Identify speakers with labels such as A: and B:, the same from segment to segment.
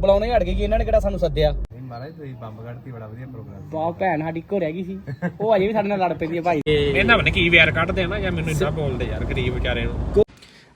A: ਬੁਲਾਉਣੇ ਹਟ ਗਏ ਕਿ ਇਹਨਾਂ ਨੇ ਕਿਹੜਾ ਸਾਨੂੰ ਸੱਦਿਆ।
B: ਮਹਾਰਾਜ ਤੁਸੀਂ ਬੰਬ ਕੱਢਤੀ, ਬੜਾ ਵਧੀਆ ਪ੍ਰੋਗਰਾਮ।
A: ਬਹੁਤ ਭੈਣ ਸਾਡੀ ਇੱਕੋ ਰਹਿ ਗਈ ਸੀ, ਉਹ ਅਜੇ ਵੀ ਸਾਡੇ ਨਾਲ ਲੜ ਪੈਂਦੀ ਹੈ ਭਾਈ।
C: ਇਹਨਾਂ ਨੇ ਕੀ ਵੈਰ ਕੱਢਦੇ ਆ ਨਾ, ਜਾਂ ਮੈਨੂੰ ਇਦਾਂ ਬੋਲਦੇ ਯਾਰ ਗਰੀਬ ਵਿਚਾਰੇ ਨੂੰ।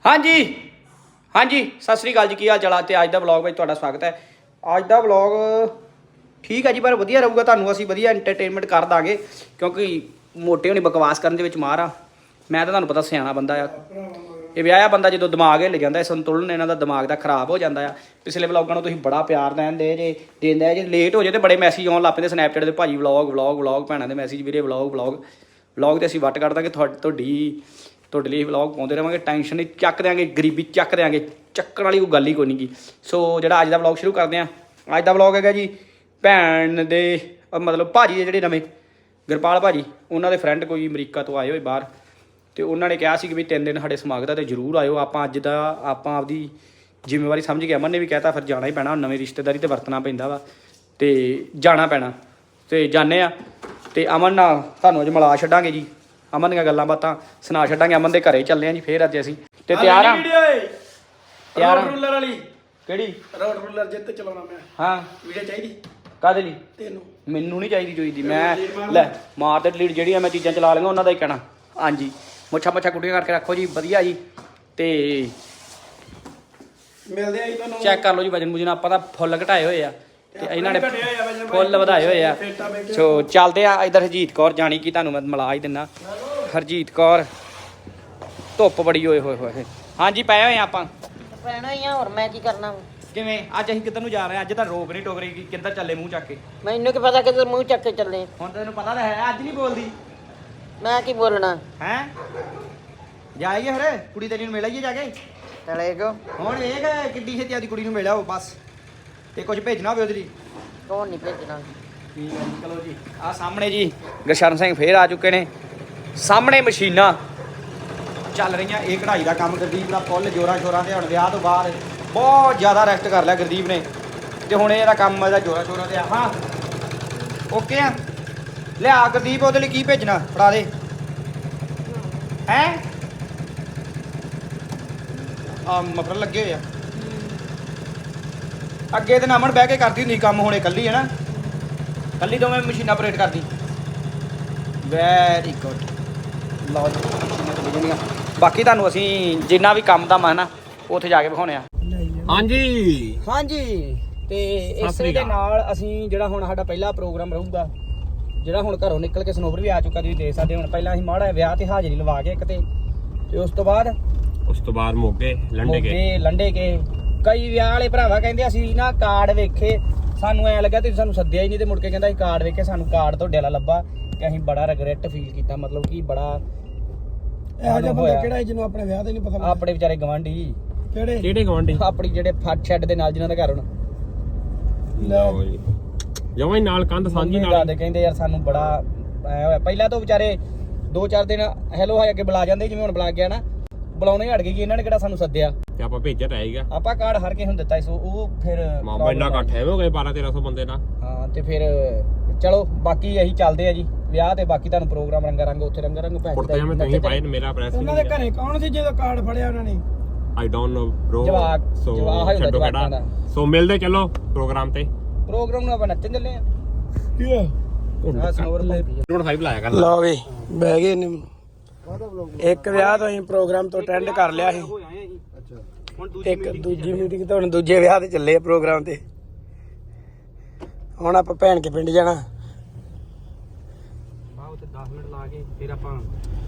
A: ਹਾਂਜੀ ਸਤਿ ਸ੍ਰੀ ਅਕਾਲ ਜੀ, ਕੀ ਹਾਲ ਚਾਲ ਆ? ਤੇ ਅੱਜ ਦਾ ਵਲੌਗ ਵਿੱਚ ਤੁਹਾਡਾ ਸਵਾਗਤ ਹੈ। ਅੱਜ ਦਾ ਵਲੌਗ ਠੀਕ ਹੈ ਜੀ, ਪਰ ਵਧੀਆ ਰਹੂਗਾ, ਤੁਹਾਨੂੰ ਅਸੀਂ ਵਧੀਆ ਐਂਟਰਟੇਨਮੈਂਟ ਕਰ ਦਾਂਗੇ, ਕਿਉਂਕਿ ਮੋਟੇ ਹੋਣੀ ਬਕਵਾਸ ਕਰਨ ਦੇ ਵਿੱਚ ਮਾਰ ਆ। ਮੈਂ ਤਾਂ ਤੁਹਾਨੂੰ ਪਤਾ ਸਿਆਣਾ ਬੰਦਾ ਆ, ਇਹ ਵਿਆਹਿਆ ਬੰਦਾ ਜਦੋਂ ਦਿਮਾਗ ਹਿੱਲ ਜਾਂਦਾ, ਸੰਤੁਲਨ ਇਹਨਾਂ ਦਾ ਦਿਮਾਗ ਦਾ ਖਰਾਬ ਹੋ ਜਾਂਦਾ ਆ। ਪਿਛਲੇ ਵਲੌਗਾਂ ਨੂੰ ਤੁਸੀਂ ਬੜਾ ਪਿਆਰ ਦਿੰਦੇ ਜੇ ਲੇਟ ਹੋ ਜੇ ਤੇ ਬੜੇ ਮੈਸੇਜ ਆਉਣ ਲੱਗ ਪੈਂਦੇ ਸਨੈਪਚੈਟ ਦੇ, ਭਾਜੀ ਵਲੌਗ ਭੈਣਾਂ ਦੇ ਮੈਸੇਜ, ਵੀਰੇ ਵਲੌਗ ਤੇ ਅਸੀਂ ਵੱਟ ਕੱਢ ਦਾਂਗੇ ਤੁਹਾਡੇ ਲਈ ਵਲੌਗ ਪਾਉਂਦੇ ਰਹਾਂਗੇ। ਟੈਨਸ਼ਨ ਨਹੀਂ ਚੱਕ ਦਿਆਂਗੇ, ਗਰੀਬੀ ਚੱਕ ਦਿਆਂਗੇ, ਚੱਕਣ ਵਾਲੀ ਕੋਈ ਗੱਲ ਹੀ ਕੋਈ ਨਹੀਂ ਗੀ। ਸੋ ਜਿਹੜਾ ਅੱਜ ਦਾ ਵਲੌਗ ਸ਼ੁਰੂ ਕਰਦੇ ਹਾਂ, ਅੱਜ ਦਾ ਵਲੌਗ ਹੈਗਾ ਜੀ ਭੈਣ ਦੇ ਮਤਲਬ ਭਾਜੀ ਦੇ ਜਿਹੜੇ ਨਵੇਂ ਗੁਰਪਾਲ ਭਾਜੀ, ਉਹਨਾਂ ਦੇ ਫਰੈਂਡ ਕੋਈ ਅਮਰੀਕਾ ਤੋਂ ਆਏ ਹੋਏ ਬਾਹਰ, ਤੇ ਉਹਨਾਂ ਨੇ ਕਿਹਾ ਸੀ ਕਿ ਵੀ 3 ਦਿਨ ਸਾਡੇ ਸਮਾਗਤ ਆ ਤੇ ਜ਼ਰੂਰ ਆਇਓ। ਆਪਾਂ ਅੱਜ ਦਾ ਆਪਦੀ ਜ਼ਿੰਮੇਵਾਰੀ ਸਮਝ ਕੇ, ਅਮਨ ਨੇ ਵੀ ਕਹਿਤਾ ਫਿਰ ਜਾਣਾ ਹੀ ਪੈਣਾ, ਨਵੀਂ ਰਿਸ਼ਤੇਦਾਰੀ ਤੇ ਵਰਤਣਾ ਪੈਂਦਾ ਵਾ ਤੇ ਜਾਣਾ ਪੈਣਾ, ਤੇ ਜਾਂਦੇ ਆ। ਤੇ ਅਮਨ ਨਾਲ ਤੁਹਾਨੂੰ ਅੱਜ ਮਿਲਾ ਛੱਡਾਂਗੇ ਜੀ, ਅਮਨ ਦੀਆਂ ਗੱਲਾਂ ਬਾਤਾਂ ਸੁਣਾ ਛੱਡਾਂਗੇ। ਅਮਨ ਦੇ ਘਰੇ ਚੱਲੇ ਆ ਜੀ ਫੇਰ ਅੱਜ ਅਸੀਂ, ਤੇ ਤਿਆਰ ਆ
D: ਰੂਲਰ ਵਾਲੀ
A: ਕਿਹੜੀ
D: ਰੋਡ ਰੂਲਰ ਜਿੱਤ ਚਲਾਉਣਾ ਮੈਂ।
A: ਹਾਂ
D: ਵੀਡੀਓ ਚਾਹੀਦੀ
A: ਕਾਹਦੇ ਲਈ?
D: ਤੈਨੂੰ?
A: ਮੈਨੂੰ ਨਹੀਂ ਚਾਹੀਦੀ ਮੈਂ ਲੈ ਮਾਰ ਤੇ ਡਿਲੀਟ ਜਿਹੜੀਆਂ ਮੈਂ ਚੀਜ਼ਾਂ ਚਲਾ ਲਈਆਂ ਉਹਨਾਂ ਦਾ ਹੀ ਕਹਿਣਾ। ਹਾਂਜੀ ਮੁੱਛਾਂ ਕੁੱਟੀਆਂ ਕਰਕੇ ਰੱਖੋ ਜੀ, ਵਧੀਆ ਜੀ। ਤੇ
D: ਮਿਲਦੇ ਆ ਜੀ ਤੁਹਾਨੂੰ,
A: ਚੈੱਕ ਕਰ ਲਓ ਜੀ ਵਜਨ ਮੁਜਨ, ਆਪਾਂ ਤਾਂ ਫੁੱਲ ਘਟਾਏ ਹੋਏ ਆ ਤੇ ਇਹਨਾਂ ਨੇ ਫੁੱਲ ਵਧਾਏ ਹੋਏ ਆ। ਸੋ ਚੱਲਦੇ ਆ ਇੱਧਰ। ਹਰਜੀਤ ਕੌਰ ਜਾਣੀ ਕਿ ਤੁਹਾਨੂੰ ਮੈਂ ਮਿਲਾ ਹੀ ਦਿੰਦਾ, ਹਰਜੀਤ ਕੌਰ। ਧੁੱਪ ਬੜੀ ਹੋਏ ਹਾਂਜੀ ਪਏ ਹੋਏ ਆਪਾਂ
E: ਪੈਣਾ ਹੀ ਆ, ਹੋਰ ਮੈਂ ਕੀ ਕਰਨਾ?
A: ਕਿਵੇਂ ਅੱਜ ਅਸੀਂ ਕਿੱਧਰ ਨੂੰ ਜਾ ਰਹੇ ਹਾਂ? ਅੱਜ ਤਾਂ ਰੋਕ ਨਹੀਂ ਟੋਕ ਰਹੀ, ਕਿੱਧਰ ਚੱਲੇ ਮੂੰਹ ਚੱਕ ਕੇ?
E: ਮੈਨੂੰ ਕੀ ਪਤਾ ਕਿੱਧਰ ਮੂੰਹ ਚੱਕ ਕੇ ਚੱਲੇ।
A: ਹੁਣ ਤੈਨੂੰ ਪਤਾ ਤਾਂ ਹੈ ਅੱਜ ਨਹੀਂ ਬੋਲਦੀ।
E: ਮੈਂ ਕੀ ਬੋਲਣਾ?
A: ਹੈ ਜਾਈਏ ਫਿਰ ਕੁੜੀ ਤੇਰੀ ਨੂੰ ਮਿਲ ਆਈਏ ਜਾ ਕੇ।
E: ਚਲੇ ਗੋ
A: ਹੁਣ ਵੇਖ ਕਿੱਡੀ ਛੇਤੀ ਆਦੀ ਕੁੜੀ ਨੂੰ ਮਿਲਿਆ ਉਹ ਬਸ, ਤੇ ਕੁਝ ਭੇਜਣਾ ਹੋਵੇ ਉਹਦੇ ਲਈ।
E: ਕੌਣ ਨਹੀਂ ਭੇਜਣਾ?
A: ਠੀਕ ਹੈ ਜੀ, ਚਲੋ ਜੀ। ਆਹ ਸਾਹਮਣੇ ਜੀ ਗੁਰਸ਼ਰਨ ਸਿੰਘ ਫੇਰ ਆ ਚੁੱਕੇ ਨੇ, ਸਾਹਮਣੇ ਮਸ਼ੀਨਾਂ ਚੱਲ ਰਹੀਆਂ। ਇਹ ਕਢਾਈ ਦਾ ਕੰਮ ਗੁਰਦੀਪ ਦਾ ਫੁੱਲ ਜੋਰਾਂ ਸ਼ੋਰਾਂ ਤੇ, ਹੁਣ ਵਿਆਹ ਤੋਂ ਬਾਅਦ ਬਹੁਤ ਜ਼ਿਆਦਾ ਰੈਸਟ ਕਰ ਲਿਆ ਗੁਰਦੀਪ ਨੇ, ਤੇ ਹੁਣ ਇਹਦਾ ਕੰਮ ਇਹਦਾ ਜੋਰਾਂ ਸ਼ੋਰਾਂ ਤੇ ਆ। ਹਾਂ ਓਕੇ ਆ, ਲਿਆ ਗੁਰਦੀਪ ਉਹਦੇ ਲਈ ਕੀ ਭੇਜਣਾ ਫੜਾ ਦੇ। ਹੈ ਆ ਮਫਰ ਲੱਗੇ ਹੋਏ ਆ ਅੱਗੇ ਤੇ ਨਾਮਣ ਬਹਿ ਕੇ ਕਰਦੀ ਹੁੰਦੀ ਕੰਮ, ਹੁਣ ਇਕੱਲੀ ਹੈ ਨਾ, ਇਕੱਲੀ ਦੋਵੇਂ ਮਸ਼ੀਨਾਂ ਆਪਰੇਟ ਕਰਦੀ। Very good. ਲਓ ਜੀ ਮਸ਼ੀਨਾਂ ਚੱਲੀ ਜਾਂਦੀਆਂ। ਬਾਕੀ ਤੁਹਾਨੂੰ ਅਸੀਂ ਜਿੰਨਾ ਵੀ ਕੰਮ ਦਾ ਮੈਂ ਨਾ ਉੱਥੇ ਜਾ ਕੇ ਵਿਖਾਉਣੇ ਆ। ਹਾਂਜੀ ਤੇ ਇਸੇ ਦੇ ਨਾਲ ਅਸੀਂ ਜਿਹੜਾ ਹੁਣ ਸਾਡਾ ਪਹਿਲਾ ਪ੍ਰੋਗਰਾਮ ਰਹੂਗਾ, ਜਿਹੜਾ ਹੁਣ ਘਰੋਂ ਨਿਕਲ ਕੇ ਸਨੋਵਰ ਵੀ ਆ ਚੁੱਕਾ, ਤੁਸੀਂ ਦੇਖ ਸਕਦੇ। ਹੁਣ ਪਹਿਲਾਂ ਅਸੀਂ ਮਾੜਾ ਵਿਆਹ ਤੇ ਹਾਜ਼ਰੀ ਲਵਾ ਕੇ ਇੱਕ ਤੇ ਉਸ ਤੋਂ ਬਾਅਦ
C: ਮੋਗੇ
A: ਲੰਡੇ ਕੇ ਕਈ ਵਿਆਹ ਵਾਲੇ ਭਰਾਵਾ ਕਹਿੰਦੇ ਅਸੀਂ ਨਾ ਕਾਰਡ ਵੇਖੇ, ਸਾਨੂੰ ਐ ਲੱਗਾ ਤੁਸੀਂ ਸਾਨੂੰ ਸੱਦਿਆ ਹੀ ਨਹੀਂ, ਤੇ ਮੁੜ ਕੇ ਕਹਿੰਦਾ ਅਸੀਂ ਕਾਰਡ ਵੇਖੇ, ਸਾਨੂੰ ਕਾਰਡ ਤੁਹਾਡੇ ਵਾਲਾ ਲੱਭਾ, ਤੇ ਅਸੀਂ ਬੜਾ ਰਿਗਰੈਟ ਫੀਲ ਕੀਤਾ। ਮਤਲਬ ਕਿ ਬੜਾ
D: ਇਹੋ ਜਿਹਾ ਬੰਦਾ ਕਿਹੜਾ ਜਿਹਨੂੰ ਆਪਣੇ ਵਿਆਹ ਤੇ ਨਹੀਂ ਪਤਾ?
A: ਆਪਣੇ ਵਿਚਾਰੇ ਗਵਾਂਢੀ।
C: ਕਿਹੜੇ ਗਵਾਂਢੀ?
A: ਆਪਣੀ ਜਿਹੜੇ ਫੱਟ ਸ਼ੈੱਡ ਦੇ ਨਾਲ ਜਿਨ੍ਹਾਂ ਦਾ ਘਰ ਹੁਣ
C: ਜਮਾਂ ਹੀ ਨਾਲ ਕੰਧ ਸਾਂਝੀ ਨਾਲ
A: ਕਹਿੰਦੇ ਯਾਰ ਸਾਨੂੰ ਬੜਾ ਐ ਹੋਇਆ। ਪਹਿਲਾਂ ਤੋਂ ਵਿਚਾਰੇ 2-4 ਦਿਨ ਹੈਲੋ ਹਾਈ ਅੱਗੇ ਬੁਲਾ ਜਾਂਦੇ, ਜਿਵੇਂ ਹੁਣ ਬੁਲਾ ਗਿਆ ਨਾ, ਬੁਲਾਉਣੇ ਹਟ ਗਏ ਕਿ ਇਹਨਾਂ ਨੇ ਕਿਹੜਾ ਸਾਨੂੰ ਸੱਦਿਆ,
C: ਤੇ ਆਪਾਂ ਭੇਜਿਆ ਰਹੇਗਾ।
A: ਆਪਾਂ ਕਾਰਡ ਹਰ ਕੇ ਹੁਣ ਦਿੱਤਾ ਸੀ, ਉਹ ਫਿਰ
C: ਮਾਮਾ ਇੰਨਾ ਇਕੱਠ ਹੈ ਹੋ ਗਏ 1200-1300 ਬੰਦੇ ਨਾਲ।
A: ਹਾਂ ਤੇ ਫਿਰ ਚਲੋ ਬਾਕੀ ਅਸੀਂ ਚੱਲਦੇ ਆ ਜੀ ਵਿਆਹ ਤੇ, ਬਾਕੀ ਤੁਹਾਨੂੰ ਪ੍ਰੋਗਰਾਮ ਰੰਗ ਉੱਥੇ ਰੰਗ
C: ਕੁੜਤੇ ਮੈਂ ਤੁਸੀਂ ਪਾਏ ਮੇਰਾ ਪ੍ਰੈਸ
D: ਉਹਨਾਂ ਦੇ ਘਰੇ ਕੌਣ ਸੀ ਜਦੋਂ ਕਾਰਡ ਫੜਿਆ ਉਹਨਾਂ ਨੇ?
C: I don't know bro.
A: ਜਵਾਕ
C: ਛੱਡੋ ਕਿਹੜਾ। ਸੋ ਮਿਲਦੇ ਚਲੋ ਪ੍ਰੋਗਰਾਮ ਤੇ।
A: ਪ੍ਰੋਗਰਾਮ ਨੂੰ ਆਪਾਂ ਨੱਚਣ ਚੱਲੇ ਆ।
D: ਕੀ ਆ?
A: ਸਨੋਵਰ
C: ਨੋਟ 5 ਲਾਇਆ ਕਰ।
D: ਲਓ ਵੀ ਬਹਿ ਗਏ ਨੇ। ਇੱਕ ਵਿਆਹ ਤੋਂ ਅਸੀਂ ਪ੍ਰੋਗਰਾਮ ਤੋਂ ਅਟੈਂਡ ਕਰ ਲਿਆ ਸੀ, ਇੱਕ ਦੂਜੀ ਮੀਟਿੰਗ ਤੋਂ ਹੁਣ ਦੂਜੇ ਵਿਆਹ ਤੇ ਚੱਲੇ ਆ ਪ੍ਰੋਗਰਾਮ ਤੇ। ਹੁਣ ਆਪਾਂ ਭੈਣ ਕੇ ਪਿੰਡ ਜਾਣਾ,
A: ਬਾਹਰ ਤੇ 10 ਮਿੰਟ ਲਾ ਕੇ ਫਿਰ ਆਪਾਂ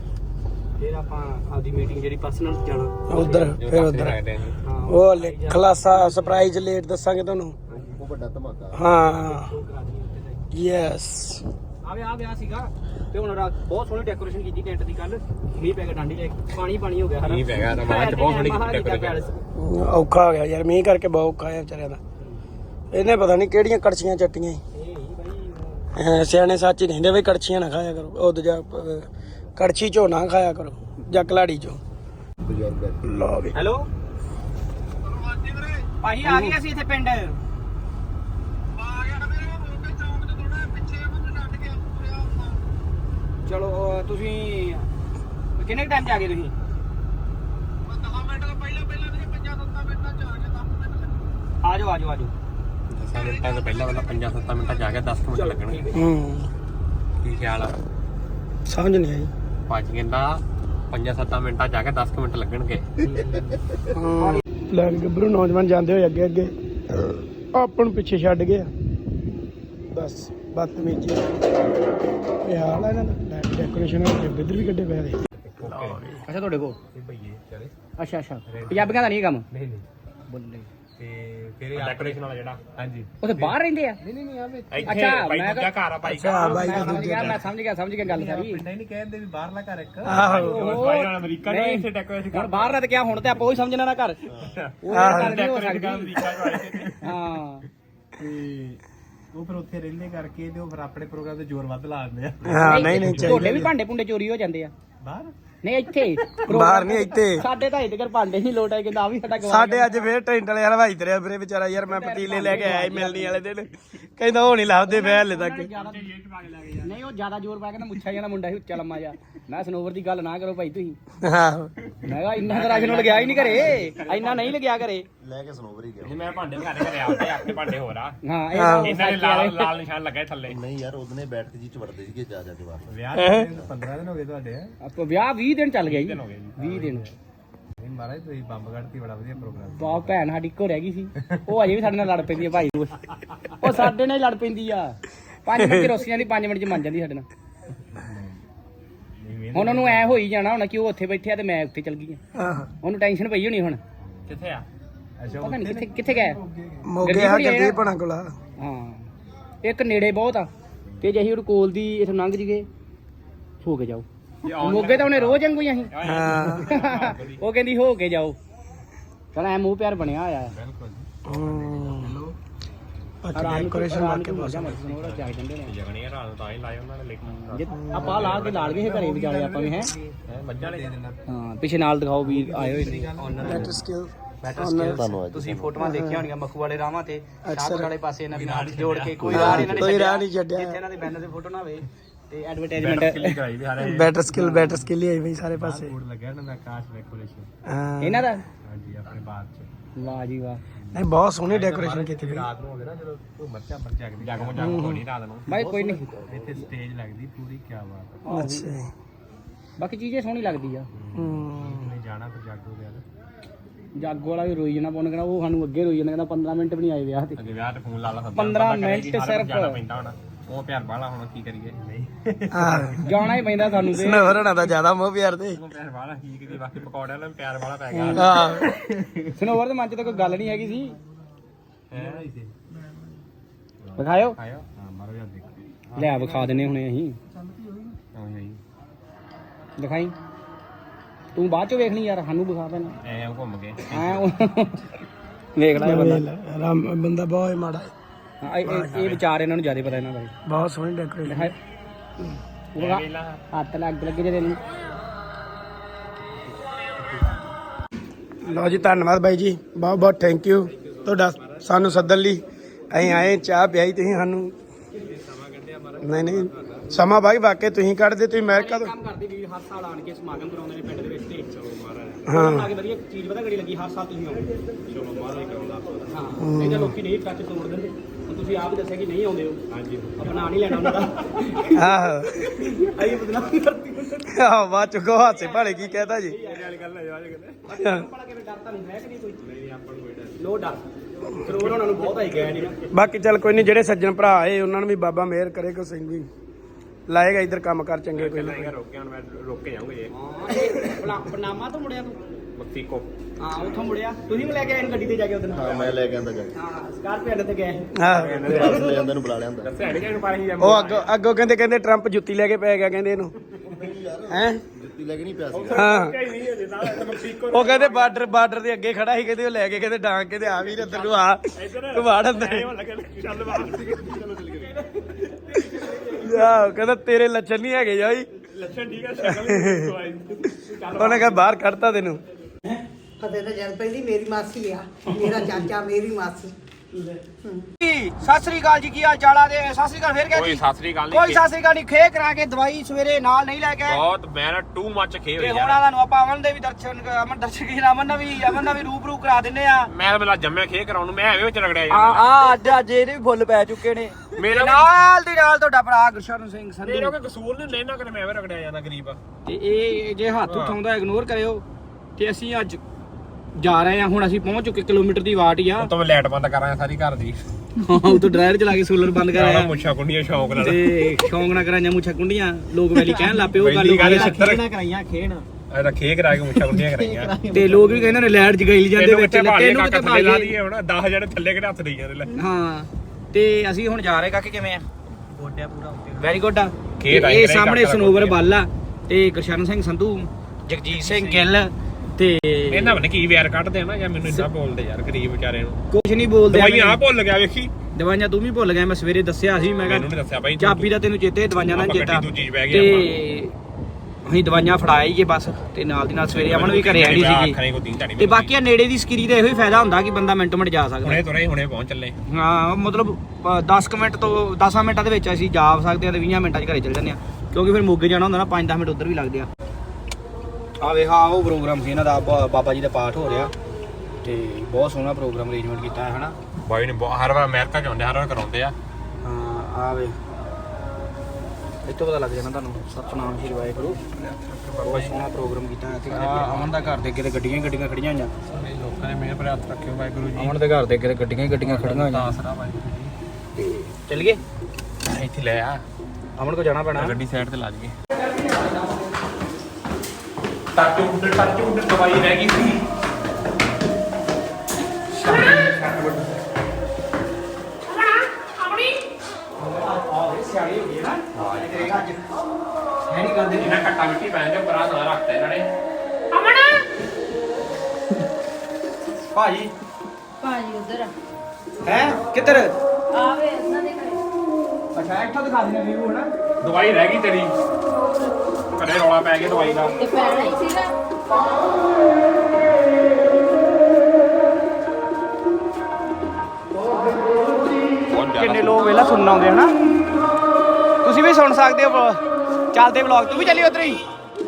A: ਆਪਦੀ ਮੀਟਿੰਗ ਜਿਹੜੀ ਪਰਸਨਲ ਜਾਣਾ
D: ਉਧਰ ਫਿਰ ਉਧਰ। ਉਹ ਖਲਾਸਾ ਸਰਪ੍ਰਾਈਜ਼ ਲੇਟ ਦੱਸਾਂਗੇ ਤੁਹਾਨੂੰ।
B: ਉਹ ਵੱਡਾ ਧਮਾਕਾ।
D: ਹਾਂ ਯੈਸ।
A: ਆ ਵਿਆਹ ਸੀਗਾ, ਤੇ ਹੁਣ ਬਹੁਤ ਸੋਹਣੀ ਡੈਕੋਰੇਸ਼ਨ ਕੀਤੀ ਟੈਂਟ ਦੀ। ਕੱਲ ਮੀਂਹ ਪੈ ਗਿਆ, ਡਾਂਡੀ ਲੈ ਪਾਣੀ ਹੋ ਗਿਆ ਹਨਾ।
C: ਮੀਂਹ ਪੈ ਗਿਆ ਤਾਂ ਬਾਅਦ ਚ ਬਹੁਤ ਸੋਹਣੀ ਡੈਕੋਰੇਸ਼ਨ।
D: ਔਖਾ ਹੋ ਗਿਆ ਯਾਰ, ਮੀਂਹ ਕਰਕੇ ਬਹੁਤ ਔਖਾ ਹੈ ਵਿਚਾਰਿਆਂ ਦਾ। ਇਹਨੇ ਪਤਾ ਨਹੀਂ ਕਿਹੜੀਆਂ ਕੜਛੀਆਂ ਚੱਟੀਆਂ। ਸਿਆਣੇ ਸੱਚ ਹੀ ਕਹਿੰਦੇ ਬਈ ਕੜਛੀਆਂ ਨਾ ਖਾਇਆ ਕਰੋ, ਉਹ ਦੂਜਾ ਕੜਛੀ ਚੋਂ ਨਾ ਖਾਇਆ ਕਰੋ ਜਾਂ ਕਲਾੜੀ ਚੋਂ। ਲਓ ਵੀ
A: ਹੈਲੋ ਭਾਈ, ਆ ਗਏ ਅਸੀਂ ਇੱਥੇ ਪਿੰਡ। ਚਲੋ ਤੁਸੀਂ ਕਿੰਨੇ ਟਾਈਮ 'ਚ ਆ ਗਏ? ਤੁਸੀਂ 10 ਮਿੰਟ ਪਹਿਲਾਂ ਤੁਸੀਂ 5-7 ਮਿੰਟਾਂ 'ਚ ਆ ਜਾਓ। ਆ ਜਾਓ
C: 10 ਮਿੰਟਾਂ ਤੋਂ ਪਹਿਲਾਂ 5-7 ਮਿੰਟਾਂ ਜਾ ਕੇ 10 ਮਿੰਟ ਲੱਗਣਗੇ। ਕੀ ਖਿਆਲ ਆ?
D: ਸਮਝ ਨਹੀਂ ਆਈ।
C: ਭਾਜੀ ਕਹਿੰਦਾ 5-7 ਮਿੰਟਾਂ ਜਾ ਕੇ 10 ਮਿੰਟ ਲੱਗਣਗੇ।
D: ਲੈ ਗੱਭਰੂ ਨੌਜਵਾਨ ਜਾਂਦੇ ਹੋਏ ਅੱਗੇ ਅੱਗੇ ਆਪਾਂ ਨੂੰ ਪਿੱਛੇ ਛੱਡ ਗਏ। ਬਸ ਬਦਤਮੀਜੀ ਇਹ ਹਾਲ ਹੈ ਇਹਨਾਂ ਦਾ। ਡੈਕੋਰੇਸ਼ਨ ਇੱਧਰ ਵੀ ਕੱਢੇ ਪਏ ਦੇ।
A: ਅੱਛਾ ਤੁਹਾਡੇ ਕੋਲ
B: ਇਹ ਭਈਏ ਚਾਰੇ
A: ਅੱਛਾ ਪੰਜਾਬੀਆਂ ਦਾ ਨਹੀਂ ਕੰਮ
B: ਨਹੀਂ
A: ਬੱਲੇ।
B: ਤੇ ਫਿਰ
C: ਡੈਕੋਰੇਸ਼ਨ ਵਾਲਾ ਜਿਹੜਾ
B: ਹਾਂਜੀ
A: ਉੱਥੇ ਬਾਹਰ ਰਹਿੰਦੇ ਆ?
B: ਨਹੀਂ ਆਵੇ
C: ਇੱਥੇ ਬਾਈ ਦੂਜਾ ਘਰ ਆ ਬਾਈ
D: ਅੱਛਾ ਬਾਈ
A: ਮੈਂ
D: ਦਾ
A: ਸਮਝ
D: ਦੂਜਾ
A: ਗਿਆ ਸਮਝ ਗਿਆ ਗੱਲ ਸਾਰੀ।
B: ਨਹੀਂ ਕਹਿੰਦੇ ਵੀ ਬਾਹਰਲਾ ਘਰ ਇੱਕ
D: ਆਹੋ
C: ਬਾਈ ਨਾਲ ਅਮਰੀਕਾ
A: ਨਹੀਂ,
C: ਇੱਥੇ ਡੈਕੋਰੇਸ਼ਨ
A: ਹੁਣ ਬਾਹਰ ਦਾ ਕਿਹਾ ਹੁਣ ਤੇ ਆਪਾਂ ਉਹੀ ਸਮਝਣਾ ਨਾ ਘਰ ਉਹ ਗੱਲ ਨਹੀਂ ਹੋ ਸਕਦੀ।
C: ਅਮਰੀਕਾ ਚ ਆਏ ਸੀ।
A: ਹਾਂ
B: ਤੇ ਉਹ ਫਿਰ ਉੱਥੇ ਰਹਿੰਦੇ ਕਰਕੇ ਤੇ ਉਹ ਫਿਰ ਆਪਣੇ ਪ੍ਰੋਗਰਾਮ ਤੇ ਜ਼ੋਰ ਵੱਧ ਲਾ ਦਿੰਦੇ ਆ।
D: ਹਾਂ ਨਹੀਂ
A: ਤੁਹਾਡੇ ਵੀ ਭਾਂਡੇ ਭੁੰਡੇ ਚੋਰੀ ਹੋ ਜਾਂਦੇ ਆ?
B: ਬਾਹਰ
A: ਨਹੀਂ ਇੱਥੇ
D: ਬਾਹਰ ਨਹੀਂ ਇੱਥੇ
A: ਸਾਡੇ ਤਾਂ ਇੱਧਰ ਭਾਂਡੇ ਨਹੀਂ ਲੋਟ ਆਏ। ਕਹਿੰਦਾ ਆ ਵੀ ਸਾਡਾ ਗਵਾ
D: ਸਾਡੇ ਅੱਜ ਫੇਰ ਟੈਂਟ ਵਾਲੇ ਹਲਵਾਈ ਤੇਰੇ ਵੀਰੇ ਵਿਚਾਰਾ ਯਾਰ ਮੈਂ ਪਤੀਲੇ ਲੈ ਕੇ ਆਇਆ ਸੀ ਮਿਲਣੀ ਵਾਲੇ ਦਿਨ ਕਹਿੰਦਾ ਉਹ ਨਹੀਂ ਲੱਭਦੇ ਪਏ ਹਲੇ ਤੱਕ।
A: ਨਹੀਂ ਉਹ ਜ਼ਿਆਦਾ ਜ਼ੋਰ ਪਾਇਆ ਕਹਿੰਦਾ ਮੁੱਛਾ ਜਿਹਾ ਮੁੰਡਾ ਸੀ ਉੱਚਾ ਲੰਮਾ ਜਿਹਾ। ਮੈਂ ਸਨੋਵਰ ਦੀ ਗੱਲ ਨਾ ਕਰੋ ਭਾਈ ਤੁਸੀਂ।
D: ਆਹੋ
A: ਮੈਂ ਕਿਹਾ ਇੰਨਾ ਤਾਂ ਰਾਜ ਨੂੰ ਲਗਿਆ ਹੀ ਨਹੀਂ ਘਰੇ, ਇੰਨਾ ਨਹੀਂ ਲਗਿਆ ਘਰੇ।
B: ਲੈ ਕੇ ਸਨੋਵਰ ਹੀ ਗਿਆ
C: ਨਹੀਂ ਮੈਂ ਭਾਂਡੇ ਘਰੇ ਆਉਂਦੇ ਆਪਣੇ ਭਾਂਡੇ ਹੋਰ ਆ।
A: ਹਾਂ
C: ਇਹਨਾਂ ਦੇ ਲਾਲ ਨਿਸ਼ਾਨ ਲੱਗਾ ਥੱਲੇ।
B: ਨਹੀਂ ਯਾਰ ਉਹਨੇ ਬੈਠ ਕੇ ਜੀ ਚ ਵੜਦੇ ਸੀਗੇ ਜਾ ਕੇ ਬਾਹਰ। ਵਿਆਹ ਦੇ 15 ਦਿਨ ਹੋ ਗਏ ਤੁਹਾਡੇ।
A: ਆਪਾਂ ਵਿਆਹ 20 ਦਿਨ ਚੱਲ ਗਿਆ ਜੀ। 20 ਦਿਨ
B: ਨਹੀਂ ਮਹਾਰਾਜ ਤੁਸੀਂ ਬੰਬਗੜ੍ਹ ਤੇ ਬੜਾ ਵਧੀਆ ਪ੍ਰੋਗਰਾਮ।
A: ਬਾਪ ਭੈਣ ਸਾਡੀ ਇੱਕੋ ਰਹਿ ਗਈ ਸੀ। ਉਹ ਅਜੇ ਵੀ ਸਾਡੇ ਨਾਲ ਲੜ ਪੈਂਦੀ ਆ ਭਾਈ। ਉਹ ਸਾਡੇ ਨਾਲ ਹੀ ਲੜ ਪੈਂਦੀ ਆ। 5 ਮਿੰਟ ਚ ਰੋਸੀਆਂ ਦੀ 5 ਮਿੰਟ ਚ ਮੰਨ ਜਾਂਦੀ ਸਾਡੇ ਨਾਲ। ਹੁਣ ਉਹਨੂੰ ਐ ਹੋਈ ਜਾਣਾ ਹੁਣ ਕਿ ਉਹ ਉੱਥੇ ਬੈਠਿਆ ਤੇ ਮੈਂ ਉੱਥੇ ਚਲ ਗਈ ਆ।
D: ਆਹੋ
A: ਉਹਨੂੰ ਟੈਨਸ਼ਨ ਪਈ ਹੋਣੀ ਹੁਣ।
C: ਕਿੱਥੇ ਆ?
A: ਪਤਾ ਨਹੀਂ ਕਿੱਥੇ ਗਿਆ।
D: ਮੋਗੇ ਆ ਗੱਡੀ ਬਣਾ ਕੋਲਾ।
A: ਹਾਂ ਇੱਕ ਨੇੜੇ ਬਹੁਤ ਆ ਤੇ ਜੇ ਅਸੀਂ ਉਹ ਕੋਲ ਦੀ ਇਥੋਂ ਲੰਘ ਜੀਏ ਹੋ ਕੇ ਜਾਓ। ਮੋਗੇ ਤਾਂ ਉਹਨੇ ਰੋਜ਼ ਵਾਂਗੂ ਹੀ ਅਸੀਂ।
D: ਹਾਂ
A: ਉਹ ਕਹਿੰਦੀ ਹੋ ਕੇ ਜਾਓ। ਚਲ ਐ ਮੂੰਹ ਪਿਆਰ ਬਣਿਆ ਹੋਇਆ।
D: ਡੈਕੋਰੇਸ਼ਨ ਵਾਕੇ ਬਹੁਤ
C: ਜਗਣੀ ਰਾਤ ਨੂੰ ਤਾਂ ਹੀ ਲਾਏ ਉਹਨਾਂ ਨੇ ਲਿਖੀ।
A: ਆਪਾਂ ਲਾ ਕੇ ਲਾਲ ਗਏ ਘਰੇ ਵਿਚਾਲੇ ਆਪਾਂ ਵੀ ਹੈ।
C: ਮੱਝਾਂ ਨੇ
A: ਹਾਂ ਪਿੱਛੇ ਨਾਲ ਦਿਖਾਓ ਵੀਰ ਆਏ ਹੋਏ ਨੇ।
D: ਬੈਟਰ ਸਕਿੱਲ
A: ਤੁਸੀਂ ਫੋਟੋਆਂ ਦੇਖੀਆਂ ਹੋਣੀਆਂ ਮੱਖੂ ਵਾਲੇ ਰਾਵਾਂ ਤੇ ਸ਼ਾਹਪੁਰ ਵਾਲੇ ਪਾਸੇ ਇਹਨਾਂ ਦੇ ਨਾਲ ਜੋੜ ਕੇ ਕੋਈ ਰਾਹ ਇਹਨਾਂ ਨੇ
D: ਨਹੀਂ ਛੱਡਿਆ
A: ਜਿੱਥੇ ਇਹਨਾਂ ਦੇ ਬੈਨਰ ਤੇ ਫੋਟੋ ਨਾ ਹੋਵੇ ਤੇ ਐਡਵਰਟਾਈਜ਼ਮੈਂਟ
C: ਕਰਾਈ ਵੀ ਸਾਰੇ
D: ਬੈਟਰ ਸਕਿੱਲ ਹੀ ਆਈ ਬਈ ਸਾਰੇ ਪਾਸੇ।
B: ਬੋਰਡ ਲੱਗਿਆ ਇਹਨਾਂ ਦਾ ਆਕਾਸ਼ ਡੈਕੋਰੇਸ਼ਨ।
D: ਹਾਂ
A: ਇਹਨਾਂ ਦਾ।
B: ਹਾਂਜੀ ਆਪਣੇ ਬਾਅਦ ਚ
A: ਵਾਹ ਜੀ ਵਾਹ।
D: ਨਹੀਂ ਬਹੁਤ ਸੋਹਣੀ ਡੈਕੋਰੇਸ਼ਨ ਕੀਤੀ ਬਈ।
B: ਰਾਤ ਨੂੰ ਹੋਵੇ ਨਾ ਜਦੋਂ ਉਹ ਮੱਚਾ ਜਗਦੀ
C: ਜਗਮੋ ਹੋਣੀ ਰਾਤ ਨੂੰ।
A: ਬਾਈ ਕੋਈ ਨਹੀਂ
B: ਇੱਥੇ ਸਟੇਜ ਲੱਗਦੀ ਪੂਰੀ ਕੀ ਬਾਤ ਹੈ।
D: ਅੱਛਾ
A: ਬਾਕੀ ਚੀਜ਼ੇ ਸੋਹਣੀ ਲੱਗਦੀ ਆ।
B: ਨਹੀਂ ਜਾਣਾ ਫਿਰ ਜਾਗੋ ਦੇ
A: ਜਾਗੋ ਵਾਲਾ ਵੀ ਰੋਈ ਜਾਣਾ ਪਾਉਣ ਕਹਿੰਦਾ ਉਹ ਸਾਨੂੰ ਅੱਗੇ ਰੋਈ ਜਾਂਦਾ ਕਹਿੰਦਾ 15 ਮਿੰਟ ਵੀ ਨਹੀਂ ਆਏ ਵਿਆਹ ਤੇ।
C: ਅੱਗੇ ਵਿਆਹ ਤੇ ਫੋਨ ਲਾ ਲਾ
A: 15 ਮਿੰਟ ਸਿਰਫ
C: ਜਾਣਾ ਪੈਂਦਾ ਹੁਣ। ਉਹ ਪਿਆਰ ਬਾਲਾ ਹੁਣ ਕੀ ਕਰੀਏ। ਨਹੀਂ
D: ਆਹ
A: ਜਾਣਾ ਹੀ ਪੈਂਦਾ ਸਾਨੂੰ ਤੇ।
D: ਸਨੋਵਰ ਹੋਣਾ ਦਾ ਜ਼ਿਆਦਾ ਮੋਹ ਪਿਆਰ ਤੇ।
C: ਉਹ ਪਿਆਰ ਬਾਲਾ ਕੀ ਕਰੀਏ ਬਾਕੀ ਪਕੌੜਿਆਂ ਨਾਲ ਪਿਆਰ ਬਾਲਾ ਪੈ ਗਿਆ।
D: ਆਹ
A: ਸਨੋਵਰ ਦੇ ਮਨ ਚ ਤਾਂ ਕੋਈ ਗੱਲ ਨਹੀਂ ਹੈਗੀ ਸੀ।
B: ਹੈ
A: ਵਿਖਾਇਓ
C: ਆਇਓ
B: ਹਾਂ ਮਾਰੋ ਯਾਰ ਦੇਖੋ।
A: ਲੈ ਵਿਖਾ ਦਿੰਨੇ ਹੁਣੇ ਅਸੀਂ।
C: ਉਹੀ
A: ਦਿਖਾਈ ਤੂੰ ਬਾਅਦ ਚ ਵੇਖਣੀ ਯਾਰ ਸਾਨੂੰ ਵਿਖਾ ਦੇਣਾ
C: ਐ ਘੁੰਮ ਕੇ
A: ਐ ਵੇਖ ਲੈ ਇਹ ਬੰਦਾ।
D: ਰਾਮ ਬੰਦਾ ਬਹੁਤ ਮਾੜਾ ਹੈ।
A: ਹਾਂ, ਇਹ ਵਿਚਾਰ ਇਹਨਾਂ ਨੂੰ ਜ਼ਿਆਦਾ ਪਤਾ ਇਹਨਾਂ ਬਾਰੇ।
D: ਬਹੁਤ ਸੋਹਣੀ ਡੈਕੋਰੇਸ਼ਨ।
A: ਦਿਖਾਏ ਉਹ ਵਿਖਾ। ਹੱਥ ਲੱਗ ਜੇ ਤੈਨੂੰ।
D: ਲਓ ਜੀ ਧੰਨਵਾਦ ਬਾਈ ਜੀ ਬਹੁਤ ਬਹੁਤ ਥੈਂਕ ਯੂ ਤੁਹਾਡਾ ਸਾਨੂੰ ਸੱਦਣ ਲਈ। ਅਸੀਂ ਆਏ ਚਾਹ ਪਿਆਈ ਤੁਸੀਂ ਸਾਨੂੰ। ਨਹੀਂ ਸਮਾਂ ਬਾਈ ਵਾਕਿਆ ਤੁਸੀਂ ਕੱਢਦੇ ਤੁਸੀਂ ਅਮਰੀਕਾ ਤੋਂ।
A: ਕੰਮ ਕਰਦੇ ਵੀਰ ਹਰ ਸਾਲ ਆਣ ਕੇ ਸਮਾਗਮ ਕਰਾਉਂਦੇ ਨੇ ਪਿੰਡ ਦੇ ਵਿੱਚ ਤੇ
D: ਹਾਂ
A: ਆ ਕੇ ਵਧੀਆ ਚੀਜ਼ ਪਤਾ ਕਿਹੜੀ ਲੱਗੀ ਹਰ ਸਾਲ ਤੁਸੀਂ ਆਉਂਦੇ ਚਲੋ ਮਾਰੇ ਕਰਾਉਂਦਾ ਹਾਂ ਇਹਦਾ ਲੋਕੀ ਨਹੀਂ ਟੱਚ ਤੋੜ ਦਿੰਦੇ ਹੁਣ ਤੁਸੀਂ ਆਪ ਦੱਸਿਆ ਕਿ ਨਹੀਂ ਆਉਂਦੇ ਹੋ ਹਾਂਜੀ ਆਪਣਾ ਨਹੀਂ ਲੈਣਾ ਉਹਨਾਂ ਦਾ
D: ਆਹੋ
A: ਆਈ ਬਦਨਾਮੀ ਕਰਤੀ
D: ਆਹ ਬਾਅਦ ਚੁੱਕੋ ਹਾਸੇ ਭਾਲੇ ਕੀ ਕਹਤਾ ਜੀ।
A: ਵਾਲੀ ਗੱਲ ਹੈ ਪੜਾ ਕੇ ਡਰ ਤਾਂ ਨਹੀਂ ਹੈ ਕਿ ਨਹੀਂ ਕੋਈ ਨਹੀਂ ਆਪਾਂ ਨੂੰ ਕੋਈ ਡਰ ਨੋ ਡਰ ਫਿਰ ਉਹਨਾਂ ਨੂੰ ਬਹੁਤ ਆਈ ਗਿਆ ਨਹੀਂ ਨਾ।
D: ਬਾਕੀ ਚੱਲ ਕੋਈ ਨਹੀਂ ਜਿਹੜੇ ਸੱਜਣ ਭਰਾ ਆਏ ਉਹਨਾਂ ਨੂੰ ਵੀ ਬਾਬਾ ਮਿਹਰ ਕਰੇ ਕੋ ਸਿੰਘ ਵੀ ਲਾਏਗਾ ਇੱਧਰ ਕੰਮ ਕਰ ਚੰਗੇ ਕੋਈ ਨਾ ਕੋਈ।
C: ਰੋਕ ਕੇ ਹੁਣ ਮੈਂ ਰੋਕ ਕੇ ਜਾਊਂਗਾ ਜੇ
A: ਹਾਂ ਇਹ ਬਨਾਮਾ ਤੋਂ ਮੁੜਿਆ ਤੂੰ
C: ਮਕਸੀਕੋ।
A: ਹਾਂ ਉੱਥੋਂ ਮੁੜਿਆ ਤੁਸੀਂ ਵੀ ਲੈ ਕੇ ਆਏ ਗੱਡੀ ਤੇ ਜਾ ਕੇ ਉਦੋਂ
B: ਹਾਂ ਮੈਂ ਲੈ ਕੇ ਆਂਦਾ ਜਾ ਕੇ
A: ਹਾਂ ਸਕਾਰਪੀਓ ਤੇ ਗਏ
D: ਆਹ
B: ਲੈ ਆਂਦਾ ਨੂੰ ਬੁਲਾ ਲਿਆਂਦਾ।
C: ਦੱਸਿਆ ਨਹੀਂ ਇਹਨੂੰ ਪਰ ਹੀ
D: ਉਹ ਅੱਗੋਂ ਕਹਿੰਦੇ ਟਰੰਪ ਜੁੱਤੀ ਲੈ ਕੇ ਪੈ ਗਿਆ ਕਹਿੰਦੇ ਇਹਨੂੰ ਹੈ
B: ਜੁੱਤੀ ਲੈ ਕੇ ਨਹੀਂ ਪਿਆ ਸੀ।
D: ਹਾਂ
C: ਮਕਸੀਕੋ
D: ਉਹ ਕਹਿੰਦੇ ਬਾਰਡਰ ਦੇ ਅੱਗੇ ਖੜਾ ਸੀ ਕਹਿੰਦੇ ਉਹ ਲੈ ਕੇ ਕਹਿੰਦੇ ਡਾਂਗ ਕੇ ਤੇ ਆ ਵੀਰ ਅੰਦਰ ਨੂੰ ਆ ਤੂੰ ਵਾੜ ਅੰਦਰ
C: ਚੱਲ ਬਾਹਰ
D: ਆਹ ਕਹਿੰਦਾ ਤੇਰੇ ਲੱਛਣ ਨਹੀਂ ਹੈਗੇ ਜਾਈ
C: ਲੱਛਣ ਠੀਕ ਹੈ ਸ਼ਕਲ
D: ਉਹਨੇ ਕਿਹਾ ਬਾਹਰ ਕੱਢਤਾ ਤੈਨੂੰ।
F: ਫਤਿਹ ਤਾਂ ਜਦ ਪਹਿਲੀ ਮੇਰੀ ਮਾਸੀ ਆ ਮੇਰਾ ਚਾਚਾ ਮੇਰੀ ਮਾਸੀ
A: ਸਤਿ ਸ੍ਰੀ ਅਕਾਲ ਜੀ, ਕੀ ਹਾਲ ਚਾਲ ਆ? ਤੇ ਸਤਿ ਸ੍ਰੀ ਅਕਾਲ ਫੇਰ ਕਹਿ
C: ਕੋਈ ਸਤਿ ਸ੍ਰੀ ਅਕਾਲ
A: ਕੋਈ
C: ਨਹੀਂ
A: ਸਤਿ ਸ੍ਰੀ ਅਕਾਲ ਨਹੀਂ। ਖੇ ਕਰਾ ਕੇ ਦਵਾਈ ਸਵੇਰੇ ਨਾਲ ਨਹੀਂ ਲੈ ਕੇ ਆਏ।
C: ਬਹੁਤ ਮੈਂ ਨਾ ਟੂ ਮੱਚ ਖੇ
A: ਤੇ
C: ਹੋਈ
A: ਹੁਣ
C: ਯਾਰ
A: ਤੁਹਾਨੂੰ ਆਪਾਂ ਅਮਨ ਦੇ ਵੀ ਦਰਸ਼ਨ ਅਮਨ ਦਾ ਵੀ ਰੂਬਰੂ ਕਰਾ ਦਿੰਨੇ ਆ।
C: ਮੈਂ ਤਾਂ ਮੇਰਾ ਜੰਮਿਆ ਖੇ ਕਰਾਉਣ ਨੂੰ ਮੈਂ ਐਵੇਂ ਵਿੱਚ ਰਗੜਿਆ
A: ਆ ਅੱਜ ਇਹਦੇ ਵੀ ਫੁੱਲ ਪੈ ਚੁੱਕੇ ਨੇ।
C: ਮੇਰਾ
A: ਨਾਲ ਦੀ ਨਾਲ ਤੁਹਾਡਾ ਭਰਾ ਗੁਰਸ਼ਰਨ ਸਿੰਘ ਸੰਧੂ।
C: ਮੇਰਾ ਕੋਈ ਕਸੂਰ ਨਹੀਂ ਲੈਣਾ ਕਿ ਮੈਂ ਐਵੇਂ ਰਗੜਿਆ ਜਾਂਦਾ ਗਰੀਬ
A: ਤੇ ਇਹ ਜੇ ਹੱਥ ਉਠਾਉਂਦਾ ਇਗਨੋਰ ਕਰਿਓ। ਤੇ ਅਸੀਂ ਅੱਜ ਜਾ ਰਹੇ ਹਾਂ, ਹੁਣ ਅਸੀਂ ਪਹੁੰਚ ਚੁੱਕੇ ਕਿਲੋਮੀਟਰ ਦੀ ਵਾਟ ਹੀ ਆ।
C: ਤਾਂ ਮੈਂ ਲਾਈਟ ਬੰਦ ਕਰਾਂ ਸਾਰੀ ਘਰ ਦੀ
A: ਉਹ ਤੋਂ ਡਰਾਈਵਰ ਚਲਾ ਕੇ ਸੋਲਰ ਬੰਦ
C: ਕਰਾਣਾ
A: ਕਰਾਇਆ
C: ਮੁੱਛਾਂ ਕੁੰਡੀਆਂ ਸ਼ੌਂਕ ਨਾਲ
A: ਤੇ ਸ਼ੌਂਕ ਨਾ ਕਰਾਈਆਂ ਮੁੱਛਾਂ ਕੁੰਡੀਆਂ। ਲੋਕ ਵੈਲੀ ਕਹਿਣ ਲੱਪੇ ਉਹ
C: ਪਹਿਲੀ ਗੱਲ ਛਿੱਤਰ
B: ਕਰਾਈਆਂ ਖੇਣ
C: ਇਹਦਾ ਖੇ ਕਰਾ ਕੇ ਮੁੱਛਾਂ ਕੁੰਡੀਆਂ ਕਰਾਈਆਂ
A: ਤੇ ਲੋਕ ਵੀ ਕਹਿੰਦੇ ਨੇ ਲਾਈਟ ਜਗਾਈ ਜਾਂਦੇ ਵਿੱਚ
C: ਤੈਨੂੰ ਕਿਤੇ ਥੱਲੇ ਲਾ ਦਈਏ ਹੁਣ 10 ਜਣੇ ਥੱਲੇ ਕਿਹੜੇ ਹੱਥ ਦੇਈ ਜਾਂਦੇ ਲੈ
A: ਹਾਂ। ਤੇ ਅਸੀਂ ਹੁਣ ਜਾ ਰਹੇ ਕਾਕੇ ਕਿਵੇਂ ਆ?
B: ਗੋਡਿਆ ਪੂਰਾ ਉੱਤੇ
A: ਵੈਰੀ ਗੁੱਡ ਆ।
C: ਖੇਤ ਆਈ
A: ਇਹ
C: ਕਰੇ
A: ਸਾਹਮਣੇ
C: ਕਾਕਾ ਦਾ
A: ਸਨੋਵਰ
C: ਗੋਡਿਆ।
A: ਬੱਲ ਆ ਤੇ ਗੁਰਸ਼ਰਨ ਸਿੰਘ ਸੰਧੂ, ਜਗਜੀਤ ਸਿੰਘ ਗਿੱਲ ਤੇ
C: ਇਹਨਾਂ ਵਨ ਕੀ ਵੈਰ ਕੱਢਦੇ ਆ ਨਾ ਜਾਂ ਮੈਨੂੰ ਇੰਨਾ ਬੋਲਦੇ ਯਾਰ ਗਰੀਬ ਵਿਚਾਰੇ ਨੂੰ
A: ਕੁਝ ਨਹੀਂ ਬੋਲਦੇ।
C: ਦਵਾਈਆਂ ਆ ਭੁੱਲ ਗਿਆ ਵੇਖੀ
A: ਦਵਾਈਆਂ ਤੂੰ ਵੀ ਭੁੱਲ ਗਿਆ। ਮੈਂ ਸਵੇਰੇ ਦੱਸਿਆ ਸੀ, ਮੈਂ
C: ਮੈਨੂੰ ਨਹੀਂ ਦੱਸਿਆ ਬਾਈ
A: ਚਾਬੀ ਦਾ ਤੈਨੂੰ ਚੇਤੇ, ਦਵਾਈਆਂ ਦਾ
C: ਆਪਾਂ
A: ਚੇਤਾ।
C: ਗੱਡੀ ਦੂਜੀ 'ਚ ਬਹਿ ਗਏ
A: ਤੇ ਅਸੀਂ ਦਵਾਈਆਂ ਫੜਾਈਏ ਬਸ। ਤੇ ਨਾਲ ਦੀ ਨਾਲ ਸਵੇਰੇ ਅਮਨ ਵੀ ਘਰੇ ਆਣੀ ਸੀਗੀ। ਤੇ ਬਾਕੀ ਆ ਨੇੜੇ ਦੀ ਸਕਰੀ ਦਾ ਇਹੋ ਹੀ ਫਾਇਦਾ ਹੁੰਦਾ ਕਿ ਬੰਦਾ ਮਿੰਟੋ ਮਿੰਟ ਜਾ ਸਕਦਾ।
C: ਹੁਣੇ ਪਹੁੰਚ ਚੱਲੇ
A: ਹਾਂ ਮਤਲਬ 10 ਮਿੰਟ ਤੋਂ 10 ਮਿੰਟਾਂ ਦੇ ਵਿੱਚ ਅਸੀਂ ਜਾ ਸਕਦੇ ਹਾਂ ਤੇ 20 ਮਿੰਟਾਂ 'ਚ ਘਰੇ ਚੱਲ ਜਾਂਦੇ ਆ, ਕਿਉਂਕਿ ਫਿਰ ਮੋਗੇ ਜਾਣਾ ਹੁੰਦਾ ਨਾ 5-10 ਮਿੰਟ ਉੱਧਰ ਵੀ ਲੱਗਦੇ ਆ। ਆ ਵੇਖ ਹਾਂ ਉਹ ਪ੍ਰੋਗਰਾਮ ਸੀ ਇਹਨਾਂ ਦਾ, ਬਾਬਾ ਜੀ ਦਾ ਪਾਠ ਹੋ ਰਿਹਾ ਤੇ ਬਹੁਤ ਸੋਹਣਾ ਪ੍ਰੋਗਰਾਮ ਅਰੇਂਜਮੈਂਟ ਕੀਤਾ ਹੈ ਹਨਾ।
C: ਬਾਈ ਨੇ ਹਰ ਵਾਰ ਅਮਰੀਕਾ ਚ ਆਉਂਦੇ ਹਰ ਵਾਰ ਕਰਾਉਂਦੇ ਆ।
A: ਹਾਂ ਆ ਵੇ ਇੱਥੋਂ ਪਤਾ ਲੱਗ ਜਾਣਾ ਤੁਹਾਨੂੰ। ਸਤਿਨਾਮ ਸ਼੍ਰੀ ਵਾਹਿਗੁਰੂ। ਬਹੁਤ ਸੋਹਣਾ ਪ੍ਰੋਗਰਾਮ ਕੀਤਾ ਹੈ ਤੇ ਅਮਨ ਦਾ ਘਰ ਦੇ ਅੱਗੇ ਤੇ ਗੱਡੀਆਂ ਹੀ ਗੱਡੀਆਂ ਖੜੀਆਂ ਹੋਈਆਂ।
C: ਲੋਕਾਂ ਨੇ ਮੇਰੇ ਪਰ ਹੱਥ ਰੱਖਿਓ ਵਾਹਿਗੁਰੂ ਜੀ।
A: ਅਮਨ ਦੇ ਘਰ ਦੇ ਅੱਗੇ ਤੇ ਗੱਡੀਆਂ ਹੀ ਗੱਡੀਆਂ ਖੜੀਆਂ ਹੋਈਆਂ।
C: ਆਸਰਾ ਵਾਹਿਗੁਰੂ ਜੀ।
A: ਤੇ ਚੱਲੀਏ
C: ਇੱਥੇ ਲੈ ਆ
A: ਅਮਨ ਕੋ ਜਾਣਾ ਪੈਣਾ।
C: ਗੱਡੀ ਸਾਈਡ ਤੇ ਲਾ ਦਈਏ। ਟੱਚ ਉੱਡ ਦਵਾਈ ਰਹਿ ਗਈ ਸੀ।
A: ਸਿਆਣੀ ਹੋ ਗਈ ਨਾ। ਹਾਂ ਇਹ ਤੇਰੇ ਅੱਜ ਹੈ ਨਹੀਂ ਕਰਦੇ।
C: ਇਹਨਾਂ ਕੱਟਾ ਮਿੱਟੀ ਪੈਣ ਦੇ ਪਰਾਂ ਨਾ ਰੱਖਤਾ ਇਹਨਾਂ ਨੇ।
A: ਭਾਜੀ
F: ਭਾਜੀ ਉਧਰ
A: ਹੈ ਕਿੱਧਰ?
F: ਆਵੇ ਉਹਨਾਂ ਦੇ ਘਰੇ।
A: ਅੱਛਾ ਇੱਥੋਂ ਦਿਖਾ ਦਿੰਦੇ ਵੀਊ ਹਨਾ।
C: ਦਵਾਈ ਰਹਿ ਗਈ ਤੇਰੀ ਕਦੇ ਰੌਲਾ ਪੈ ਗਿਆ ਦਵਾਈ ਦਾ।
F: ਤੇ ਪੈਣਾ ਹੀ ਸੀਗਾ।
A: ਕਿੰਨੇ ਲੋਕ ਵੇਲਾ ਸੁਣਨ ਆਉਂਦੇ ਹਨਾ। ਤੁਸੀਂ ਵੀ ਸੁਣ ਸਕਦੇ ਹੋ ਚੱਲਦੇ ਵਲੌਗ। ਤੂੰ ਵੀ ਚੱਲੀ ਉਧਰ ਹੀ।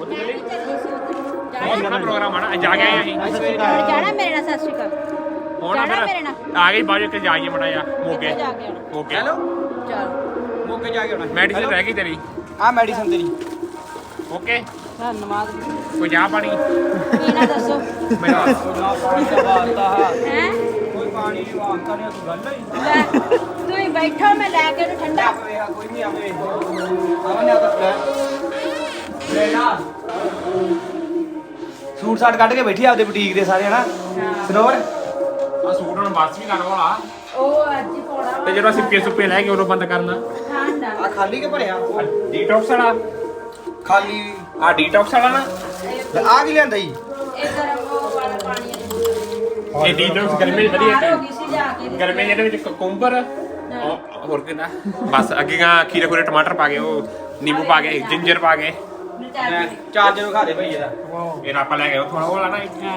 C: ਬਹੁਤ ਸੋਹਣਾ ਪ੍ਰੋਗਰਾਮ ਆਣਾ ਜਾ ਕੇ ਆਏ ਅਸੀਂ।
F: ਜਾਣਾ ਮੇਰੇ ਨਾਲ। ਸਤਿ ਸ਼੍ਰੀ ਅਕਾਲ।
C: ਹੁਣ
F: ਜਾਣਾ ਮੇਰੇ
C: ਫਿਰ
F: ਨਾਲ।
C: ਆ ਗਈ ਬਾਜੂ ਤੇ ਜਾਈਏ ਮੜਾ ਜਾ ਮੋਗੇ
F: ਕਿੱਥੇ ਜਾ ਕੇ ਆਉਣਾ?
C: ਮੋਗੇ
A: ਹੈਲੋ
F: ਚਲ
A: ਮੋਕੇ ਜਾ ਕੇ ਆਉਣਾ।
C: ਮੈਡੀਸਿਨ ਰਹਿ ਗਈ ਤੇਰੀ
A: ਆ ਮੈਡੀਸਨ ਤੇਰੀ।
C: ਓਕੇ
F: ਧੰਨਵਾਦ।
C: ਕੋਈ ਚਾਹ ਪਾਣੀ
F: ਕੀ ਨਾ ਦੱਸੋ
C: ਮੇਰਾ
A: ਨਾ ਪਾਣੀ ਦਾ ਵਾਸਤਾ
F: ਹੈ।
A: ਕੋਈ ਪਾਣੀ ਦੀ ਵਾਸਤਾ ਨਹੀਂ। ਤੂੰ ਗੱਲ ਹੀ
F: ਲੈ ਤੁਸੀਂ ਬੈਠੋ, ਮੈਂ ਲੈ ਕੇ ਉਹਨੂੰ ਠੰਡਾ।
A: ਆਵੇ ਕੋਈ ਨਹੀਂ ਆਵੇ ਆਵਨ ਨੇ ਆ ਲੈ ਨਾ ਸੂਟ ਸਾਟ ਕੱਢ ਕੇ ਬੈਠੀ ਆਪਦੇ ਬੁਟੀਕ ਦੇ ਸਾਰੇ ਹਨਾ। ਸਰੋਵਰ
C: ਆ ਸੂਟ ਹੁਣ ਬਸ ਵੀ ਕਰਨ ਵਾਲਾ
F: ਉਹ ਅੱਜ ਹੀ ਪਾਉਣਾ ਵਾ।
C: ਤੇ ਜਦੋਂ ਸਿੱਪੇ ਸੁੱਪੇ ਲੈ ਕੇ ਉਦੋਂ ਬੰਦ ਕਰਨਾ।
F: ਠੰਡਾ
A: ਆ ਖਾਲੀ ਕੇ ਭਰਿਆ
C: ਡੀਟੌਕਸ ਵਾਲਾ
A: ਖਾਲੀ।
C: ਆ ਡੀਟੌਕਸ ਵਾਲਾ ਨਾ
A: ਆ ਕੀ ਲਿਆਂਦਾ ਜੀ?
F: ਇਹ ਗਰਮ ਉਹ ਵਾਲਾ ਪਾਣੀ ਹੈ।
C: ਇਹ ਡੀਟੌਕਸ ਗਰਮੀ ਚ ਵਧੀਆ
F: ਬਾਹਰ ਹੋ ਗਈ ਸੀ ਜਾ ਕੇ।
C: ਗਰਮੀ ਜਿਹਦੇ ਵਿੱਚ ਕੁਕੁੰਬਰ ਹੋਰ ਕਿੰਨਾ ਬਸ ਅੱਗੇ ਗਾ ਖੀਰੇ ਖੂਰੇ ਟਮਾਟਰ ਪਾ ਕੇ ਉਹ ਨਿੰਬੂ ਪਾ ਕੇ ਜਿੰਜਰ ਪਾ ਕੇ
A: ਚਾਰਜਰ ਵਿਖਾ ਦੇ ਭਈ ਇਹਦਾ।
C: ਇਹ ਆਪਾਂ ਲੈ ਗਏ ਉੱਥੋਂ ਉਹ ਵਾਲਾ ਨਾ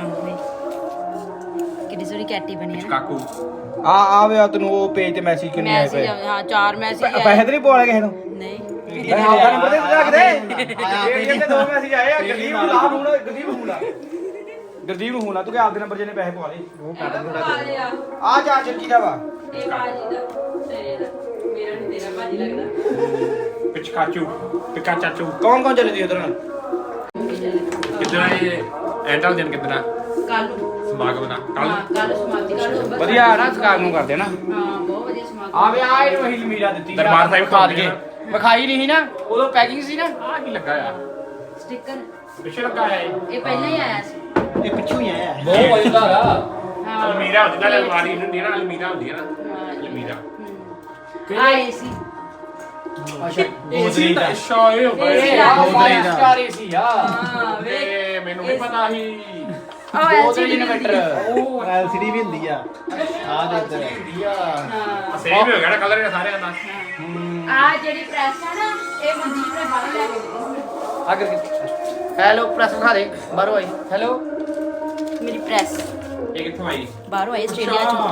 F: ਕਿੱਡੀ ਸੋਹਣੀ ਕੈਟੀ ਬਣੀ ਹੈ ਨਾ।
C: ਕਾਕੂ
A: ਆ ਵੇ ਆ ਤੈਨੂੰ ਉਹ ਪੇਜ ਤੇ ਮੈਸੇਜ ਕਿੰਨੇ ਆਏ
F: ਮੈਸੇਜ
A: ਪਏ?
F: ਹਾਂ 4 ਮੈਸੇਜ ਆਏ।
A: ਪੈਸੇ ਤੇ ਨਹੀਂ ਪਵਾ ਲਏ ਕਿਸੇ ਨੂੰ?
F: ਨਹੀਂ
A: ਆਪਦਾ ਨੰਬਰ ਦੇ ਰੱਖ ਦੇ। ਇਹ ਤੇ 2 ਮੈਸੇਜ ਆਏ ਆ। ਗਰਦੀਪ ਨੂੰ ਲਾ ਫੋਨ। ਗਰਦੀਪ ਨੂੰ ਲਾ। ਗਰਦੀਪ ਨੂੰ ਫੋਨ ਲਾ। ਤੂੰ ਕਿ ਆਪਦੇ ਨੰਬਰ ਜਿਹਨੇ ਪੈਸੇ ਪਵਾ ਲਏ।
F: ਉਹ ਕੱਟ ਦੂੰਗਾ।
A: ਆ ਚਾਰਜਰ ਕਿਹਦਾ ਵਾ?
F: ਇਹ ਬਾਜੀ ਦਾ ਤੇਰੇ ਦਾ ਮੇਰਾ ਨਹੀਂ ਤੇਰਾ ਬਾਜੀ ਲੱਗਦਾ।
C: ਪਿਕਾ ਚਾਚੂ
A: ਕੌਣ ਕੌਣ ਚੱਲੇ ਦੀ ਉਧਰ ਨਾਲ?
C: ਕਿੱਦਾਂ ਇਹ ਐਂਟਲ ਦਿਨ ਕਿੱਦਾਂ
F: ਕੱਲ ਨੂੰ
C: ਸਮਾਗਮ ਦਾ ਕੱਲ
F: ਹਾਂ ਕੱਲ ਸਮਾਪਤੀ ਕੱਲ
A: ਵਧੀਆ ਨਾ ਸਕਾਰ ਨੂੰ ਕਰਦੇ ਨਾ।
F: ਹਾਂ ਬਹੁਤ ਵਧੀਆ ਸਮਾਗਮ।
A: ਆ ਵੇ ਆ ਇਹਨੂੰ ਅਸੀਂ ਲਮੀਰਾ ਦਿੱਤੀ
C: ਦਰਬਾਰ ਸਾਹਿਬ
A: ਖਾ ਦਈਏ। ਵਿਖਾਈ ਨਹੀਂ ਸੀ ਨਾ ਉਦੋਂ ਪੈਕਿੰਗ ਸੀ ਨਾ।
C: ਆ ਕੀ ਲੱਗਾ ਆ
F: ਸਟicker
C: ਪਿੱਛੇ ਲੱਗਾ ਆ
F: ਇਹ ਪਹਿਲਾਂ ਹੀ ਆਇਆ ਸੀ।
A: ਇਹ ਪਿੱਛੋਂ ਹੀ ਆਇਆ।
C: ਬਹੁਤ ਵਧੀਆ ਆ
F: ਹਾਂ
C: ਅਲਮੀਰਾ ਹੁੰਦੀ ਨਾ ਅਲਮਾਰੀ ਹੁੰਦੀ ਨਾ ਅਲਮੀਰਾ ਹੁੰਦੀ ਹੈ ਨਾ ਅਲਮੀਰਾ
F: ਆਏ ਸੀ।
A: ਅੱਛਾ
C: ਗੋਦਰੀ ਦਾ ਸ਼ਾਇ ਹੋ
F: ਇਹ
C: ਗਏ
F: ਆ
A: ਗੋਦਰੀ ਦਾ ਸਟਾਰੀ ਸੀ ਆ।
F: ਹਾਂ ਵੇ
C: ਤੇ ਮੈਨੂੰ ਵੀ ਪਤਾ ਸੀ
F: ਉਹ
A: ਗੋਦਰੀ ਇਨਵਰਟਰ।
B: ਉਹ ਐਲਸੀਡੀ ਵੀ ਹੁੰਦੀ ਆ ਆ ਦੇ ਇੱਧਰ
F: ਹਾਂ
C: ਸੇਮ ਹੋ ਗਿਆ ਨਾ ਕਲਰ ਇਹ ਸਾਰਿਆਂ ਦਾ
F: ਆ ਜਿਹੜੀ ਪ੍ਰੈਸ ਹੈ ਨਾ ਇਹ ਮਨਦੀਪ ਨੇ ਬਾਹਰ ਲੈ ਕੇ ਦਿੱਤੀ।
A: ਅਗਰ ਹੈਲੋ ਪ੍ਰੈਸ ਵਿਖਾ ਦੇ ਬਾਹਰੋਂ ਆਈ। ਹੈਲੋ
F: ਮੇਰੀ ਪ੍ਰੈਸ
C: ਇਹ ਕਿੱਥੋਂ ਆਈ
F: ਬਾਹਰੋਂ ਆਈ ਆਸਟ੍ਰੇਲੀਆ ਚੋਂ।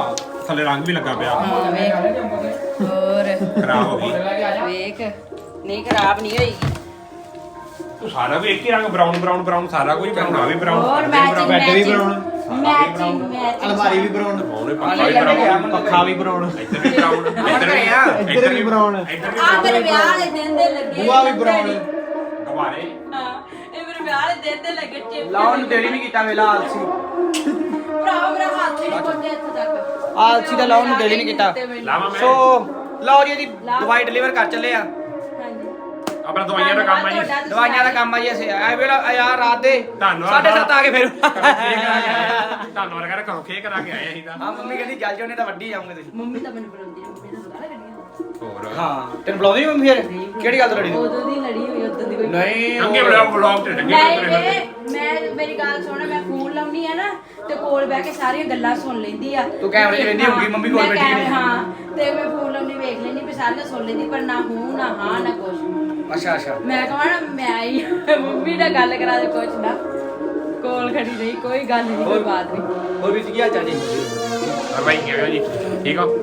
C: ਥੱਲੇ ਰੰਗ ਵੀ ਲੱਗਾ ਪਿਆ
F: ਹਾਂ ਵੇਖ ਹੋਰ
C: ਖਰਾਬ ਹੋ ਗਈ
F: ਵੇਖ ਨਹੀਂ ਖਰਾਬ ਨਹੀਂ ਹੋਈ
C: ਤੂੰ ਸਾਰਾ ਵੀ ਇੱਕ ਹੀ ਰੰਗ ਬਰਾਊਨ ਬਰਾਊਨ ਬਰਾਊਨ ਸਾਰਾ ਕੁਝ ਬਰਾਊਨ ਆ ਵੀ ਬਰਾਊਨ
F: ਹੋਰ ਮੈਚਿੰਗ
B: ਬੈੱਡ ਵੀ
F: ਮੈਚਿੰਗ
B: ਬਣਾਉਣਾ
F: ਮੈਚਿੰਗ ਮੈਚਿੰਗ
B: ਅਲਮਾਰੀ ਵੀ ਬਣਾਉਣਾ
C: ਉਹਨੇ ਪੱਖਾ ਵੀ ਬਰਾਊਨ
B: ਪੱਖਾ ਵੀ ਬਣਾਉਣਾ
C: ਇੱਧਰ ਵੀ ਬਰਾਊਨ
B: ਇੱਧਰ ਵੀ ਬਣਾਉਣਾ
C: ਇੱਧਰ ਵੀ
F: ਆ ਮੇਰੇ
C: brown,
F: ਵਿਆਹ ਵਾਲੇ ਦਿਨ ਦੇ ਲੱਗੇ
B: ਬੂਆ ਵੀ ਬਣਾਉਣਾ
C: ਗੁਬਾਰੇ
F: ਹਾਂ ਇਹ ਮੇਰੇ ਵਿਆਹ ਵਾਲੇ ਦਿਨ ਦੇ ਲੱਗੇ ਚਿਪ
A: ਲਾਉਣ ਨੂੰ ਦੇਰੀ ਨਹੀਂ ਕੀਤਾ ਵੇਲਾ ਆਲਸੀ
F: ਭਰਾ ਮੇਰਾ ਹੱਥ ਹੀ ਨਹੀਂ ਪਹੁੰਚਿਆ ਇੱਥੇ ਤੱਕ
A: ਆਲਸੀ ਦਾ ਲਾਉਣ ਨੂੰ ਦੇਰੀ ਨਹੀਂ ਕੀਤਾ
C: ਲਾਵਾਂ ਮੈਂ
A: ਸੋ ਲਓ ਜੀ ਇਹਦੀ ਦਵਾਈ ਡਿਲੀਵਰ ਕਰ ਚੱਲੇ ਆ
F: ਹਾਂਜੀ
C: ਆਪਣਾ ਦਵਾਈਆਂ ਦਾ ਕੰਮ ਆ ਜੀ
A: ਦਵਾਈਆਂ ਦਾ ਕੰਮ ਆ ਜੀ ਅਸੀਂ ਐ ਵੇਲਾ ਯਾਰ ਰਾਤ ਦੇ
C: ਧੰਨਵਾਦ
A: 7:30 ਆ ਕੇ ਫਿਰ
C: ਧੰਨਵਾਦ ਕਰ ਘਰੋਂ ਖੇ ਕਰਾ ਕੇ ਆਏ ਅਸੀਂ ਤਾਂ
A: ਹਾਂ ਮੰਮੀ ਕਹਿੰਦੀ ਜਲ ਜਾਣੇ ਤਾਂ ਵੱਡੀ ਜਾਓਗੇ ਤੁਸੀਂ
F: ਮੰਮੀ ਤਾਂ ਮੈਨੂੰ ਬੁਲਾਉਂਦੀ ਹੈ ਮੰਮੀ ਦਾ ਪਤਾ ਲੱਗਣੀ
C: ਹੋਰ
A: ਹਾਂ ਤੈਨੂੰ ਬੁਲਾਉਂਦੀ ਮੰਮੀ ਫਿਰ ਕਿਹੜੀ ਗੱਲ ਤੋਂ ਲੜੀ ਤੂੰ?
F: ਉਦੋਂ ਦੀ ਲੜੀ ਹੋਈ ਉਦੋਂ ਦੀ ਕੋਈ
A: ਨਹੀਂ
C: ਚੰਗੇ ਵਲੌਗ ਤੇ ਚੰਗੇ
F: ਮੈਂ ਮੇਰੀ ਗੱਲ ਸੁਣ ਮੈਂ ਫੋਨ ਲਾਉਣੀ ਆ ਨਾ ਤੇ ਕੋਲ ਬਹਿ ਕੇ ਸਾਰੀਆਂ ਗੱਲਾਂ ਸੁਣ ਲੈਂਦੀ ਆ
A: ਤੂੰ ਕੈਮਰੇ 'ਚ ਵੇਖਦੀ ਹੋਊਗੀ, ਮੰਮੀ ਕੋਲ
F: ਮੈਂ
A: ਬੈਠੀ ਨਹੀਂ।
F: ਹਾਂ ਤੇ ਮੈਂ ਫੋਨ ਲਾਉਣੀ ਵੇਖ ਲੈਂਦੀ ਵੀ ਸਾਰੀਆਂ ਸੁਣ ਲੈਂਦੀ ਪਰ ਨਾ ਹੂੰ ਨਾ ਹਾਂ ਨਾ ਕੁਛ
A: ਅੱਛਾ ਅੱਛਾ
F: ਮੈਂ ਕਹਾਂ ਨਾ ਮੈਂ ਆਈ ਮੰਮੀ ਨਾਲ ਗੱਲ ਕਰਾ ਦੇ ਕੁਛ ਨਾ ਕੋਲ ਖੜੀ ਨਹੀਂ ਕੋਈ ਗੱਲ ਨਹੀਂ ਕੋਈ ਬਾਤ ਨਹੀਂ
A: ਹੋਰ ਵੀ ਕੀ ਹਾਲ ਚਾਲ ਜੀ
C: ਹੋਰ ਭਾਈ ਕਿਹਾ ਜੀ ਠੀਕ ਹੋ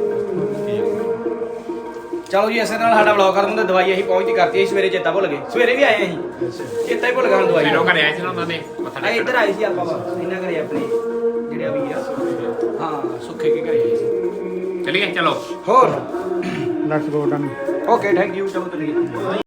A: ਚਲੋ ਜੀ ਇਸੇ ਨਾਲ ਸਾਡਾ ਵਲੌਗ ਖਤਮ ਹੁੰਦਾ ਦਵਾਈ ਅਸੀਂ ਪਹੁੰਚਦੀ ਕਰਤੀ ਅਸੀਂ ਸਵੇਰੇ ਚੇਤਾ ਭੁੱਲ ਗਏ ਸਵੇਰੇ ਵੀ ਆਏ ਅਸੀਂ ਚੇਤਾ ਹੀ ਭੁੱਲ ਗਿਆ ਹੁਣ ਦਵਾਈ
C: ਮੇਰੇ ਘਰੇ ਆਏ ਸੀ ਨਾ ਉਹਨਾਂ ਨੇ ਮੱਥਾ
A: ਆ ਇੱਧਰ ਆਏ ਸੀ ਆਪਾਂ ਇਹਨਾਂ ਘਰੇ ਆਪਣੇ ਜਿਹੜੇ ਵੀ ਆ ਹਾਂ ਸੁੱਖੇ ਕੇ ਘਰੇ ਆਏ ਸੀ
C: ਚਲੀਏ ਚਲੋ
A: ਹੋਰ
B: let's go done
A: okay thank you ਚਲੋ ਚਲੀਏ